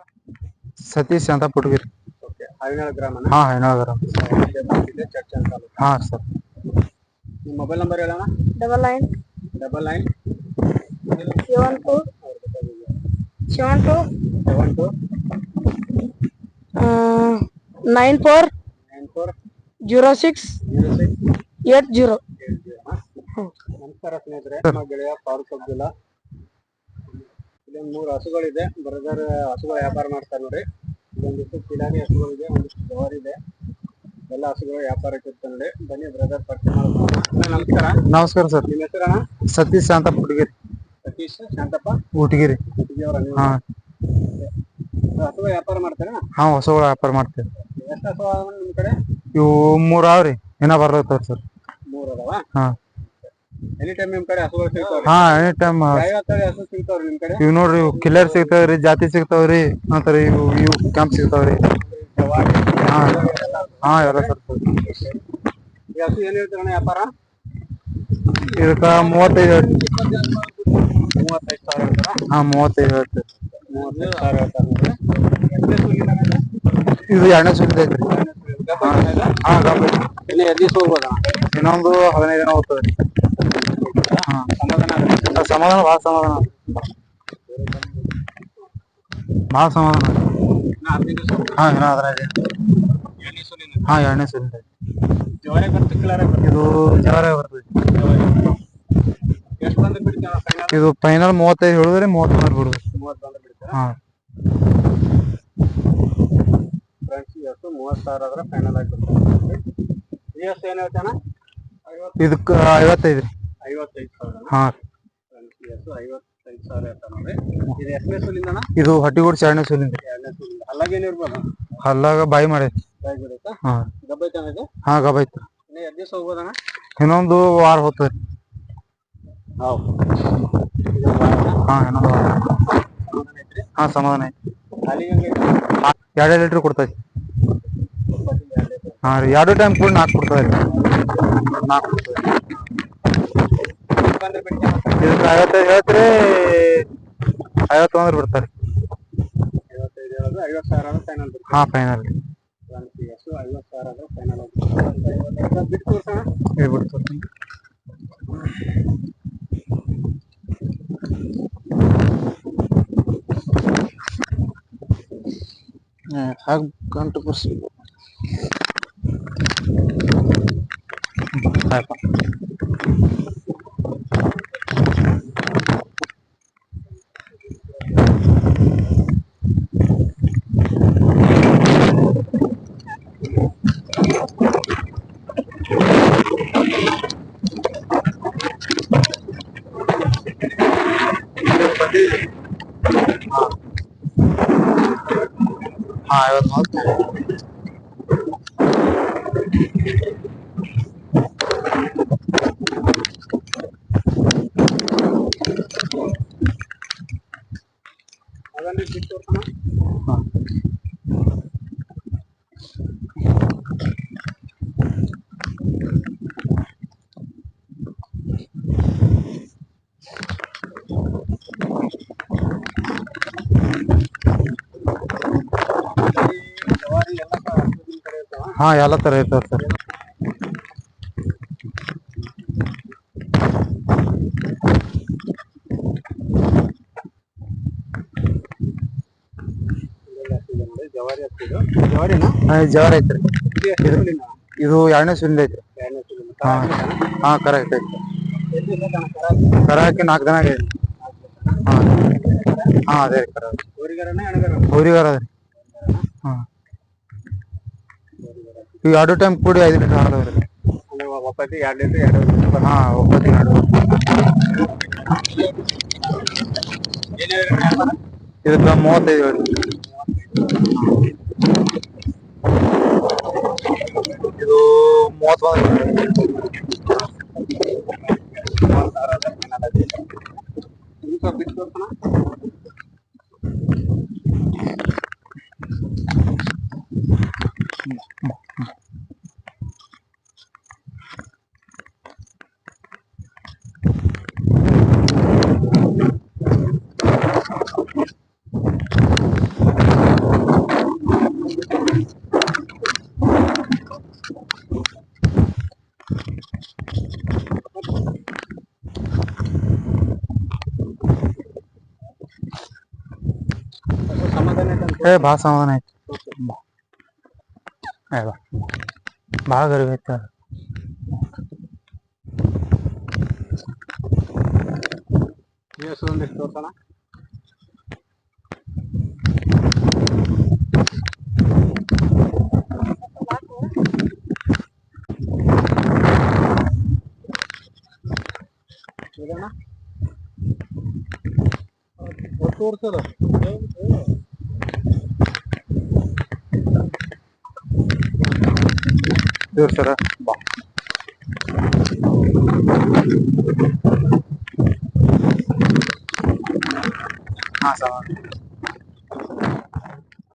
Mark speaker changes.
Speaker 1: ಸತೀಶ್ ಅಂತ ಪುಟ್ಗಿರಿ.
Speaker 2: ಓಕೆ, ಹರಿನಾಳ ಗ್ರಾಮ.
Speaker 1: ಹಾ ಹರಿನಾಳ ಗ್ರಾಮ.
Speaker 2: ಚರ್ಚ್ ಅಂತ.
Speaker 1: ಹಾ ಸರ್.
Speaker 2: ನಿಮ್ಮ ಮೊಬೈಲ್ ನಂಬರ್ ಹೇಳೋಣ.
Speaker 3: 99
Speaker 2: 99
Speaker 3: 72 72
Speaker 2: 72
Speaker 3: 94
Speaker 2: 94
Speaker 3: 06
Speaker 2: 06
Speaker 3: 80.
Speaker 2: ನಮಸ್ಕಾರ ಸ್ನೇಹಿತರೆ, ನಮ್ಮ ಗೆಳೆಯ ಫಾರೂಕ್ ಅಬ್ದುಲ್ಲಾ. ಇಲ್ಲೊಂದು 3 ಹಸುಗಳಿದೆ. ಬ್ರದರ್ ಹಸುಗಳ ವ್ಯಾಪಾರ ಮಾಡ್ತಾರೆ ನೋಡಿ. ಒಂದಿಷ್ಟು ಕಿಲಾರಿ ಹಸುಗಳಿದೆ, ಒಂದಿಷ್ಟು ಜವಾರಿ ಇದೆ. ಎಲ್ಲ ಹಸುಗಳು ವ್ಯಾಪಾರಕ್ಕೆ ಇರ್ತಾರೆ ನೋಡಿ. ಬನ್ನಿ ಬ್ರದರ್ ಪರಿಚಯ ಮಾಡ್ಕೊಳ್ಳೋಣ. ನಮಸ್ಕಾರ.
Speaker 1: ನಮಸ್ಕಾರ ಸರ್.
Speaker 2: ನಿಮ್ಮ ಹೆಸರಣ್ಣ?
Speaker 1: ಸತೀಶ್ ಅಂತ ಪುಟ್ಗಿರಿ.
Speaker 2: ಸತೀಶ್ ಶಾಂತಪ್ಪ
Speaker 1: ಊಟಗಿರಿ. ಹಾ.
Speaker 2: ಹಸುಗಳ ವ್ಯಾಪಾರ ಮಾಡ್ತಾರೆ.
Speaker 1: ಹಾ, ಹಸುಗಳ ವ್ಯಾಪಾರ ಮಾಡ್ತೇವೆ.
Speaker 2: ಎಷ್ಟು ಹಸು ಅದಾವ ನಿಮ್ ಕಡೆ?
Speaker 1: ಇವು 3 ಅವ್ರಿ, ಇನ್ನ ಬರ್ಲತ್ತವ್ರ ಸರ್.
Speaker 2: 3 ಅದಾವ?
Speaker 1: ಹಾ.
Speaker 2: ಎನಿ ಟೈಮ್ ನಿಮ್ ಕಡೆ ಹಸುಗಳು ಸಿಗ್ತಾವ್ರಿ?
Speaker 1: ಹಾ, ಎನಿ ಟೈಮ್.
Speaker 2: ಯಾವ ತಳಿ ಹಸು ಸಿಗ್ತಾವ್ರಿ ನಿಮ್ ಕಡೆ?
Speaker 1: ಇವ್ ನೋಡ್ರಿ, ಇವು ಕಿಲ್ಲರ್ ಸಿಗ್ತಾವ್ರಿ, ಜಾತಿ ಸಿಗ್ತಾವ್ರಿ, ನಂತರ ಇವು ಕ್ಯಾಂಪ್ ಸಿಗ್ತಾವ್ರಿ. ಹಾ ಹಾ, ಎಲ್ಲ ಸರ್.
Speaker 2: ಈ ಹಸು ಏನ್ ಹೇಳ್ತಾರಣ್ಣ ವ್ಯಾಪಾರ?
Speaker 1: ಇದಕ್ಕ 35 ಹೇಳ್ತೀವಿ.
Speaker 2: 35,000 ಹೇಳ್ತಾರ?
Speaker 1: ಹಾ, 35 ಹೇಳ್ತೀವಿ.
Speaker 2: 35,000 ಹೇಳ್ತಾರ.
Speaker 1: ಇದು 2ನೇ ಸುಲಿದ ಐತ್ರಿ. ಹಾ, ಗಬ್ಬ.
Speaker 2: ಇನ್ನು ಎಷ್ಟು ದಿವಸ ಹೋಗ್ಬೋದಣ್ಣ?
Speaker 1: ಇನ್ನೊಂದು 15 ದಿನ ಹೋಗ್ತದೆ. ಹಾ, ಸಮಾಧಾನ ಭಾಳ ಸಮಾಧಾನ. ಭಾಳ ಸಮಾಧಾನ. ಹಾ, ಇನ್ನ 15 ದಿನ. ಹಾ, 2ನೇ ಸುಲಿದ ಐತಿ. ಇದು ಜವಾರಿ ಬರ್ತದೆ. ಇದು ಫೈನಲ್ 35 ಹೇಳಿದ್ರಿ, 30 ಬಂದ್ರೆ ಬಿಡುದು. ಹಾ.
Speaker 2: ಫ್ರೆಂಡ್ಸ್, ಈ ಹಸು 30,000 ಆದ್ರೆ ಫೈನಲ್ ಆಗಿಬಿಡ್ತಾರೆ. ಈ ಹಸು ಏನ್ ಹೇಳ್ತಾನ?
Speaker 1: ಇದಕ್ಕ 55 ರೀ.
Speaker 2: 55,000.
Speaker 1: ಹಾ.
Speaker 2: ಈ ಹಸು 55,000 ಹೇಳ್ತಾನ ನೋಡ್ರಿ. ಇದು ಎಷ್ಟನೇ ಸುಲಿಂದಣ್ಣ?
Speaker 1: ಇದು ಹಟ್ಟಿಗೂಡ್ಸಿ 2ನೇ ಸುಲಿಂದ.
Speaker 2: 2ನೇ ಸುಲಿಂದ. ಹಲ್ಲಾಗ ಏನಿರ್ಬೋದು?
Speaker 1: ಹಲ್ಲಾಗ ಬಾಯಿ ಮಾಡೈತಿ.
Speaker 2: ಬಾಯಿ ಬಿಡುತ್ತಾ?
Speaker 1: ಹಾ.
Speaker 2: ಗಬ್ಬ ಐತಣ್ಣ ಇದು? ಹಾ,
Speaker 1: ಗಬ್ಬ ಐತಿ.
Speaker 2: ಇನ್ನು ಎಷ್ಟು ದಿವಸ ಹೋಗ್ಬೋದಣ್ಣ?
Speaker 1: ಇನ್ನೊಂದು ವಾರ ಹೋಗ್ತದೆ.
Speaker 2: ಹೌದು.
Speaker 1: ಹಾ, ಇನ್ನೊಂದು ವಾರ. ಹಾ, ಸಮಾಧಾನ ಐತಿ. 2 ಲೀಟರ್ ಕೊಡ್ತೈತಿ. ಹಾ ರೀ, 2 ಟೈಮ್ ಕೂಡ 4 ಕೊಡ್ತದೆ. 4 ಕೊಡ್ತದೆ. ಇದಕ್ಕೆ 55 ಹೇಳ್ತೀರಿ, 50 ಅಂದ್ರೆ ಬಿಡ್ತಾರೆ.
Speaker 2: 55 ಹೇಳೋದು, 50,000 ಫೈನಲ್.
Speaker 1: ಹಾ, ಫೈನಲ್.
Speaker 2: 50,000 ಫೈನಲ್. ಬಿಟ್ಟು ತೋರ್ಸೋಣ.
Speaker 1: ಬಿಟ್ಟು ತೋರ್ತೀನಿ. ಹಾಗೆ ಗಂಟು ಬರ್ಸಿ. ಆಯ್ತು. ಹಾ, 50
Speaker 2: ಅದನ್ನ ಬಿಟ್ಟು ತೋರ್ಸೋಣ.
Speaker 1: ಹಾ. ಹಾ, ಎಲ್ಲ ತರ ಇರ್ತಾವ ಸರ್. ಜವಾರಿ ಐತ್ರಿ. ಇದು 2ನೇ ಸುಲಿಂದ ಐತ್ರಿ. ಹಾ. ಹಾ, ಕರೆಕ್ಟ್ ಐತಿ. ಕರ ಹಾಕಿ 4 ದಿನ ಆಗೈತಿ. ಹಾ. ಹಾ, ಅದೇ ರೀ ಕರ. ಊರಿಗಾರ ಅದ್ರಿ. ಹಾ. ಈಗ 2 ಟೈಮ್ ಕೂಡಿ 5 ಲೀಟರ್ ಹಾಕವ್ರಿ.
Speaker 2: ಒಪ್ಪತ್ತಿ 2 ಲೀಟರ್.
Speaker 1: ಹಾ, ಒಪ್ಪತ್ತಿ 2. ಇದಕ್ಕ 35 ಹೇಳಿ. ಇದು 30
Speaker 2: ಬಿಟ್ಟು ತೋರ್ಸೋಣ. ಸಮಾಧಾನ ಐತೆ ಅಂತ
Speaker 1: ಏ ಭಾಳ ಸಮಾಧಾನ ಐತಿ ಏ ಬಾ ಭಾಳ ಗರಿಬ್ ಐತೆ
Speaker 2: ಈ ಹಸು ಒಂದಿಷ್ಟು ತೋರ್ಸೋಣ. ಇದನ್ನ ತೋರ್ಸದ
Speaker 1: ಇವ್ರು ಸರ ಬಾ ಹಾಂ ಸಮಾಧಾನ